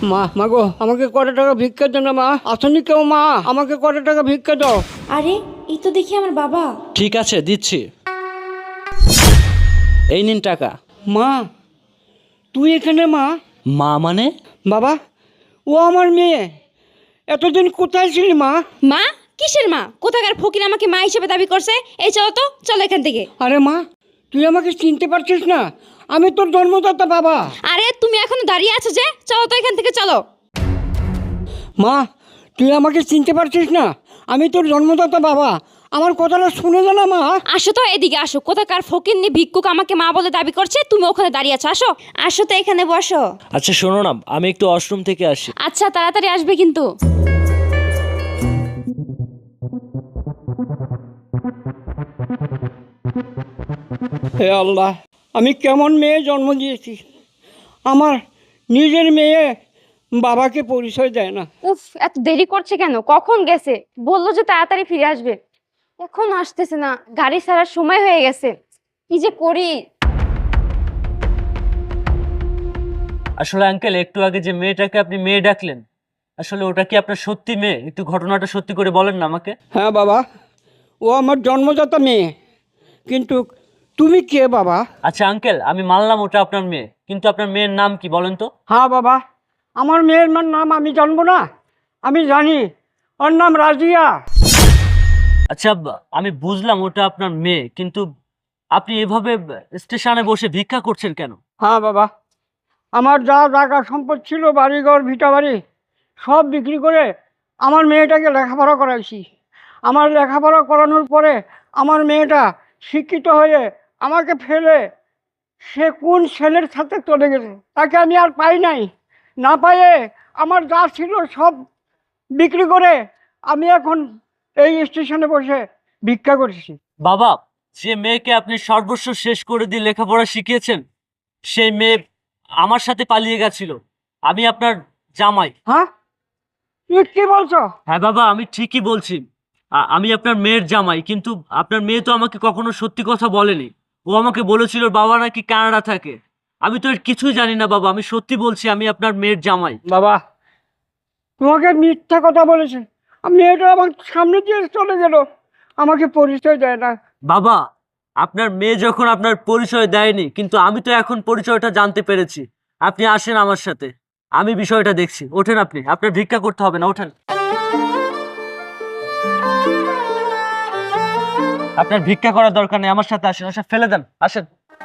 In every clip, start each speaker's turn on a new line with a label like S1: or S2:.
S1: মা মা গো, আমাকে কত টাকা ভিক্ষা দাও না মা। আসনি কেউ মা, আমাকে কত টাকা ভিক্ষা দাও।
S2: আরে এই তো দেখি আমার বাবা।
S3: ঠিক আছে, দিচ্ছি। এই নিন টাকা।
S1: মা তুই এখানে মা?
S3: মা মানে?
S1: বাবা, ও আমার মেয়ে। এতদিন কোথায় ছিলি মা?
S2: মা? কিসের মা? কোথাকার ফকির আমাকে মা হিসেবে দাবি করছে? এই চলো তো, চলো এখান থেকে।
S1: আরে মা, তুই আমাকে চিনতে পারছিস না? আমি তোর জন্মদাতা বাবা।
S2: আরে তুমি এখনো দাঁড়িয়ে আছো যে? চলো তো এখান থেকে, চলো।
S1: মা, তুই আমাকে চিনতে পারছিস না? আমি তোর জন্মদাতা বাবা। আমার কথাটা শুনে যা না মা।
S2: আসো তো, এদিকে আসো। কোথাকার ফকিরনি ভিক্ষুক আমাকে মা বলে দাবি করছে, তুমি ওখানে দাঁড়িয়ে আছো। আসো, আসো তো এখানে বসো।
S3: আচ্ছা শোনো না, আমি একটু ওয়াশরুম থেকে আসি।
S2: আচ্ছা, তাড়াতাড়ি আসবে কিন্তু।
S1: হে আল্লাহ, আমি কেমন মেয়ে জন্ম দিয়েছি। আমার নিজের মেয়ে বাবাকে পরিচয় দেয় না।
S2: উফ, এত দেরি করছে কেন? কখন গেছে? বললো যে তাড়াতাড়ি ফিরে আসবে, এখন আসতেছে না। গাড়ি ছাড়ার সময় হয়ে গেছে, কি যে করি।
S3: আসলে আঙ্কেল, একটু আগে যে মেয়েটাকে আপনি মেয়ে ডাকলেন, আসলে ওটা কি আপনার সত্যি মেয়ে? একটু ঘটনাটা সত্যি করে বলেন না আমাকে।
S1: হ্যাঁ বাবা, ও আমার জন্মদাতা মেয়ে। কিন্তু তুমি কে বাবা?
S3: আচ্ছা আঙ্কেল, আমি মানলাম ওটা আপনার মেয়ে, কিন্তু আপনার মেয়ের নাম কি বলেন তো?
S1: হ্যাঁ বাবা, আমার মেয়ের নাম আমি জানবো না? আমি জানি, ওর নাম রাজিয়া।
S3: আচ্ছা আমি বুঝলাম ওটা আপনার মেয়ে, কিন্তু আপনি এভাবে স্টেশনে বসে ভিক্ষা করছেন কেন?
S1: হ্যাঁ বাবা, আমার যা জায়গা সম্পদ ছিল, বাড়িঘর ভিটা বাড়ি সব বিক্রি করে আমার মেয়েটাকে লেখাপড়া করাইছি। আমার লেখাপড়া করানোর পরে আমার মেয়েটা শিক্ষিত হয়ে আমাকে ফেলে সে কোন ছেলের সাথে চলে গেছে, তাকে আমি আর পাই নাই। না পাইয়ে আমার যা ছিল সব বিক্রি করে আমি এখন এই স্টেশনে বসে ভিক্ষা করছি।
S3: বাবা, যে মেয়েকে আপনি সর্বস্ব শেষ করে দিয়ে লেখাপড়া শিখিয়েছেন, সেই মেয়ে আমার সাথে পালিয়ে গেছিল। আমি আপনার জামাই।
S1: হ্যাঁ, তুই কি বলছো?
S3: হ্যাঁ বাবা, আমি ঠিকই বলছি। আমি আপনার মেয়ের জামাই, কিন্তু আপনার মেয়ে তো আমাকে কখনো সত্যি কথা বলেনি। ও আমাকে বলেছিল ওর বাবা নাকি কানাডা থাকে। আমি তো এর কিছুই জানি না বাবা, আমি সত্যি বলছি, আমি আপনার মেয়ের জামাই।
S1: বাবা, তোমাকে মিথ্যা কথা বলেছে। মেয়েটা আমার সামনে দিয়ে চলে গেল, আমাকে পরিচয় দেয় না।
S3: বাবা, আপনার মেয়ে যখন আপনার পরিচয় দেয়নি, কিন্তু আমি তো এখন পরিচয়টা জানতে পেরেছি। আপনি আসেন আমার সাথে, আমি বিষয়টা দেখছি। ওঠেন, আপনি আপনার ভিক্ষা করতে হবে না, ওঠেন। আপনার ভিক্ষা করার দরকার নেই, আমার সাথে আসেন। আসেন, ফেলে দেন, আসেন।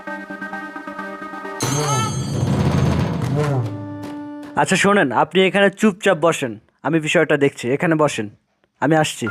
S3: আচ্ছা শোনেন, আপনি এখানে চুপচাপ বসেন, আমি বিষয়টা দেখছি। এখানে বসেন, আমি আসছি।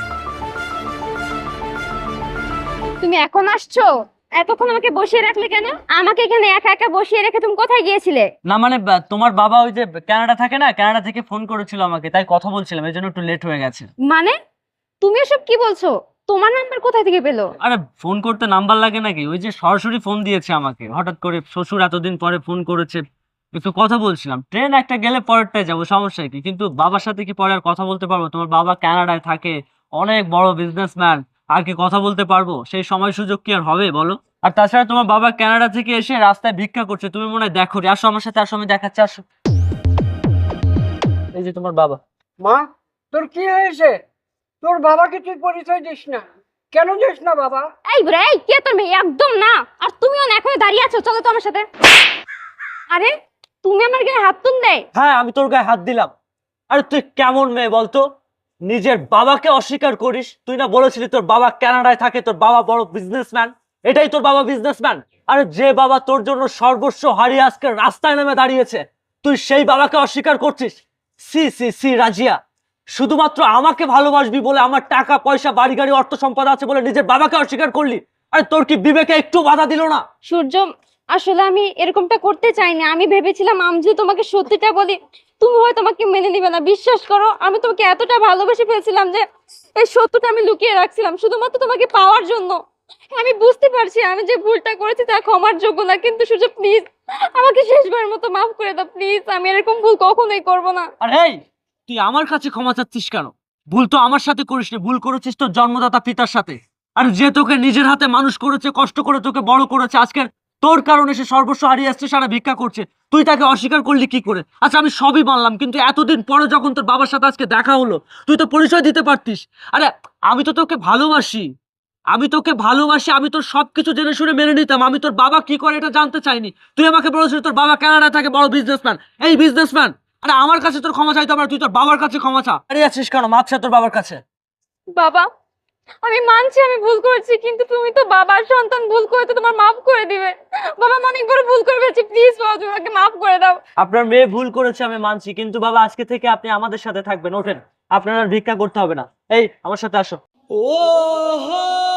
S2: তুমি এখন আসছো? এতক্ষণ আমাকে বসিয়ে রাখলে কেন? আমাকে এখানে একা একা বসিয়ে রেখে তুমি কোথায় গিয়েছিলে?
S3: না মানে তোমার বাবা ওই যে কানাডা থাকে না, কানাডা থেকে ফোন করেছিল আমাকে, তাই কথা বলছিলাম, এই জন্য একটু লেট হয়ে গেছে।
S2: মানে তুমি এসব কি বলছো? তোমার নাম্বার কোথায় থেকে পেলো?
S3: আরে ফোন করতে নাম্বার লাগে নাকি? ওই যে সরাসরি ফোন দিয়েছে আমাকে, হঠাৎ করে শ্বশুর এতদিন পরে ফোন করেছে, একটু কথা বলছিলাম। ট্রেন একটা গেলে পরেরটায় যাবো, সমস্যা কি? কিন্তু বাবার সাথে কি পরে আর কথা বলতে পারবো? তোমার বাবা কানাডায় থাকে, অনেক বড় বিজনেসম্যান, আর কি কথা বলতে পারবো? সেই সময় সুযোগ কি আর হবে বলো? আর তাছাড়া তোমার বাবা কানাডা থেকে এসে রাস্তায় ভিক্ষা করছে, তুমি মনে হয় দেখো। আসো আমার সাথে, আসো, আমি দেখাচ্ছি, আসো। এই যে তোমার বাবা।
S1: মা, তোর কি হয়েছে? তোর বাবাকে তুই পরিচয় দিস না কেন? দিস না বাবা?
S2: এই বুড়া, এই কে তোর মেয়ে? একদম না। আর তুমিও না, এখনো দাঁড়িয়ে আছো, চলো তো আমার সাথে। আরে তুমি আমার গায়ে হাত তুললে?
S3: হ্যাঁ, আমি তোর গায়ে হাত দিলাম। আরে তুই কেমন মেয়ে বলতো, নিজের বাবাকে অস্বীকার করিস? তুই না বলেছিলি তোর বাবা কানাডায় থাকে, তোর বাবা বড় বিজনেসম্যান? এটাই তোর বাবা বিজনেসম্যান? আরে যে বাবা তোর জন্য সর্বস্ব হারিয়ে আজকে রাস্তায় নেমে দাঁড়িয়েছে, তুই সেই বাবাকে অস্বীকার করছিস? সি সি সি রাজিয়া, শুধুমাত্র আমাকে ভালোবাসবি বলে, আমার টাকা পয়সা বাড়ি গাড়ি অর্থ সম্পদ আছে বলে নিজের বাবাকে অস্বীকার করলি? আরে তোর কি বিবেকে একটু বাধা দিল না?
S2: সূর্য, আসলে আমি এরকমটা করতে চাইনি। আমি ভেবেছিলাম আমি যদি তোমাকে সত্যিটা বলি তুমি হয়তো আমাকে মেনে নিবে না। বিশ্বাস করো, আমি তোমাকে এতটা ভালোবেসে ফেলছিলাম যে এই সত্যটা আমি লুকিয়ে রাখছিলাম শুধুমাত্র তোমাকে পাওয়ার জন্য। আমি বুঝতে পারছি আমি যে ভুলটা করেছি তা ক্ষমার যোগ্য না, কিন্তু সূর্য প্লিজ আমাকে শেষবারের মতো মাফ করে দাও প্লিজ। আমি এরকম ভুল কখনোই করব না।
S3: আর এই, তুই আমার কাছে ক্ষমা চাচ্ছিস কেন? ভুল তো আমার সাথে করিসনি, ভুল করেছিস তোর জন্মদাতা পিতার সাথে। আর যে তোকে নিজের হাতে মানুষ করেছে, কষ্ট করে তোকে বড় করেছে, আজকে তোর কারণে সে সর্বস্ব হারিয়ে আসছে, সারা ভিক্ষা করছে। তুই তাকে অস্বীকার করলি কি করে? আচ্ছা আমি সবই মানলাম, কিন্তু এতদিন পরে যখন তোর বাবার সাথে আজকে দেখা হলো, তুই তো পরিচয় দিতে পারতিস। আরে আমি তো তোকে ভালোবাসি, আমি তোর সবকিছু জেনে শুনে মেনে নিতাম। আমি তোর বাবা কি করে এটা জানতে চাইনি। তুই আমাকে বলেছিস তোর বাবা কানাডায় থাকে, বড় বিজনেসম্যান। এই বিজনেসম্যান, আরে আমার কাছে তোর ক্ষমা চাইতে পারে, তুই তোর বাবার কাছে ক্ষমা চা। আরে আছিস কেন? মাছ তোর বাবার কাছে।
S2: বাবা, আমি মানছি আমি ভুল করেছি, কিন্তু তুমি তো বাবার সন্তান, ভুল করে তো তোমার মাফ করে দিবে। বাবা, আমি অনেক বড় ভুল করে ফেলেছি, প্লিজ বাবা তুমি আমাকে মাফ করে দাও।
S3: আপনার মেয়ে ভুল করেছে আমি মানছি, কিন্তু বাবা আজকে থেকে আপনি আমাদের সাথে থাকবেন। ওঠেন, আপনার আর ভিক্ষা করতে হবে না। এই আমার সাথে আসো। ও